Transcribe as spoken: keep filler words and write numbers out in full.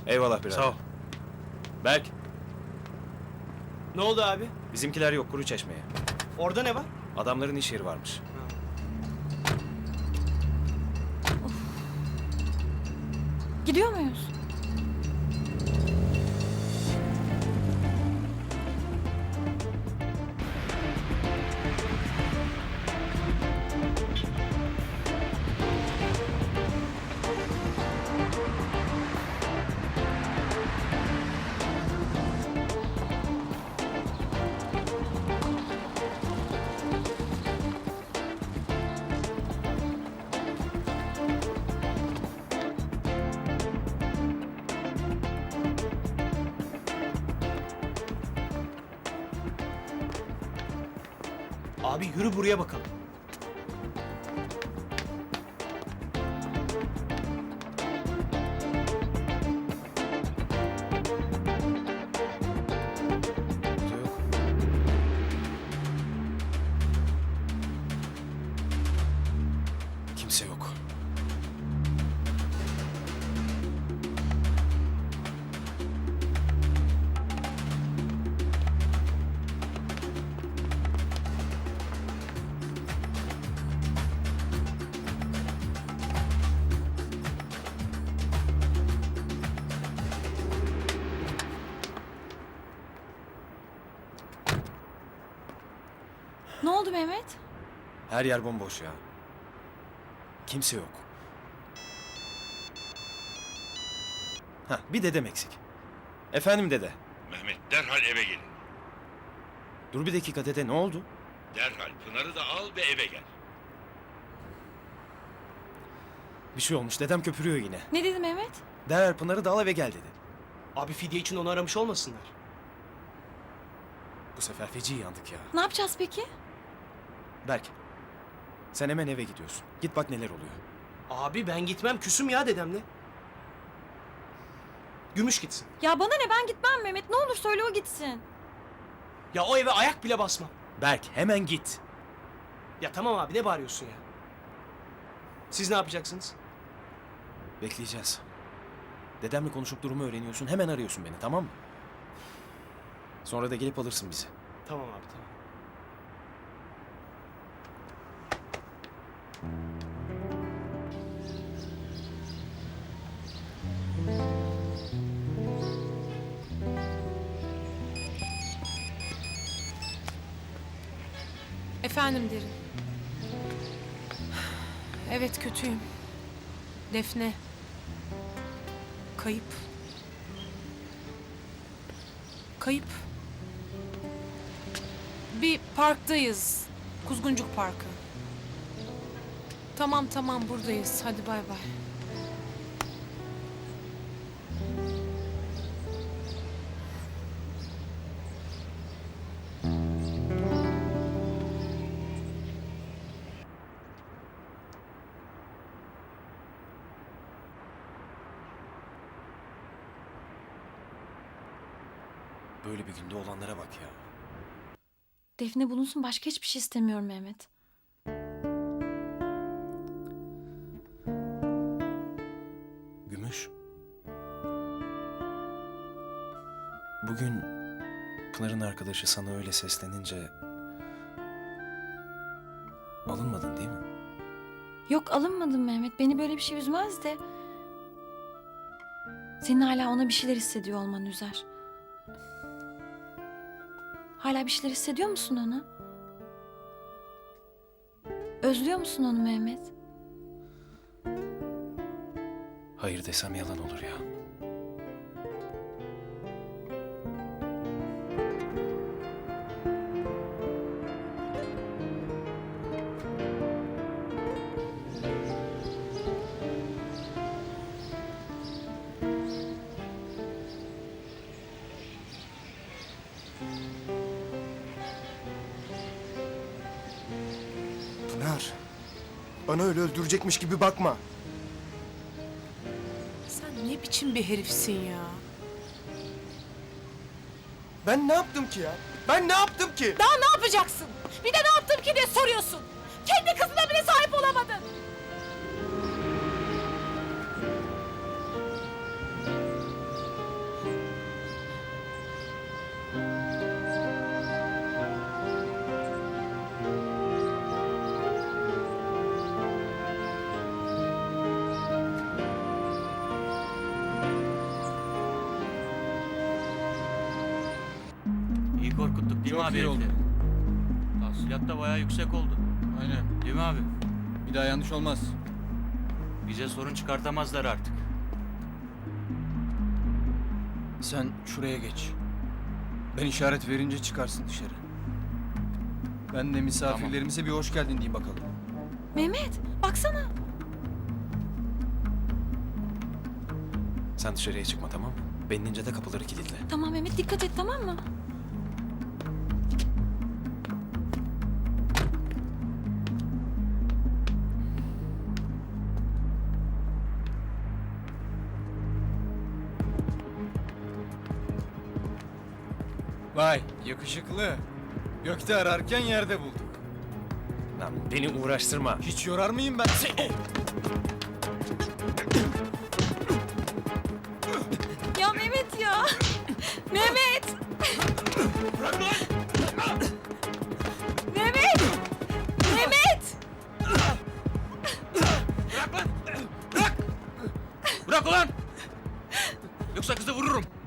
Eyvallah birader. Sağ ol. Berk, Ne oldu abi? bizimkiler yok Kuru Çeşme'ye. Orada ne var? Adamların iş yeri varmış. Gidiyor muyuz? Abi yürü buraya bakalım. Burada yok. Kimse yok. Ne oldu Mehmet? Her yer bomboş ya. Kimse yok. Hah, bir dedem eksik. Efendim dede. Mehmet derhal eve gelin. Dur bir dakika dede, ne oldu? Derhal Pınar'ı da al ve eve gel. Bir şey olmuş, dedem köpürüyor yine. Ne dedi Mehmet? Derhal Pınar'ı da al eve gel dedi. Abi fidye için onu aramış olmasınlar. Bu sefer feci yandık ya. Ne yapacağız peki? Berk, sen hemen eve gidiyorsun. Git bak neler oluyor. Abi ben gitmem, küsüm ya dedemle. Gümüş gitsin. Ya bana ne, ben gitmem Mehmet. Ne olur söyle o gitsin. Ya o eve ayak bile basmam. Berk, hemen git. Ya tamam abi, ne bağırıyorsun ya? Siz ne yapacaksınız? Bekleyeceğiz. Dedemle konuşup durumu öğreniyorsun, hemen arıyorsun beni, tamam mı? Sonra da gelip alırsın bizi. Tamam abi, tamam. Efendim Derin. Evet, kötüyüm. Defne. Kayıp. Kayıp. Bir parktayız. Kuzguncuk Parkı. Tamam tamam, buradayız. Hadi bay bay. Böyle bir günde olanlara bak ya. Defne bulunsun, başka hiçbir şey istemiyorum Mehmet. Gümüş. Bugün Pınar'ın arkadaşı sana öyle seslenince... alınmadın değil mi? Yok, alınmadım Mehmet. Beni böyle bir şey üzmez de... senin hala ona bir şeyler hissediyor olman üzer. Hala bir şeyler hissediyor musun ona? Özlüyor musun onu Mehmet? Hayır desem yalan olur ya. Pınar. Bana öyle öldürecekmiş gibi bakma. Sen ne biçim bir herifsin ya? Ben ne yaptım ki ya? Ben ne yaptım ki? Daha ne yapacaksın? Bir de ne yaptım ki diye soruyorsun. Kendi kızına bile sahip olamadın. İyi korkuttuk değil mi Çok abi? iyi oldu. herifleri? Tahsilat da bayağı yüksek oldu. Aynen. Değil mi abi? Bir daha yanlış olmaz. Bize sorun çıkartamazlar artık. Sen şuraya geç. Ben işaret verince çıkarsın dışarı. Ben de misafirlerimize bir hoş geldin diyeyim bakalım. Mehmet baksana. Sen dışarıya çıkma, tamam mı? Ben inince de kapıları kilitle. Tamam Mehmet dikkat et tamam mı? Vay yakışıklı. Gökte ararken yerde bulduk. Lan beni uğraştırma. Hiç yorar mıyım ben seni? Ya Mehmet ya. Mehmet. Bırak lan! Mehmet. Mehmet. Bırak lan! Bırak! Bırak ulan! Yoksa kızı vururum.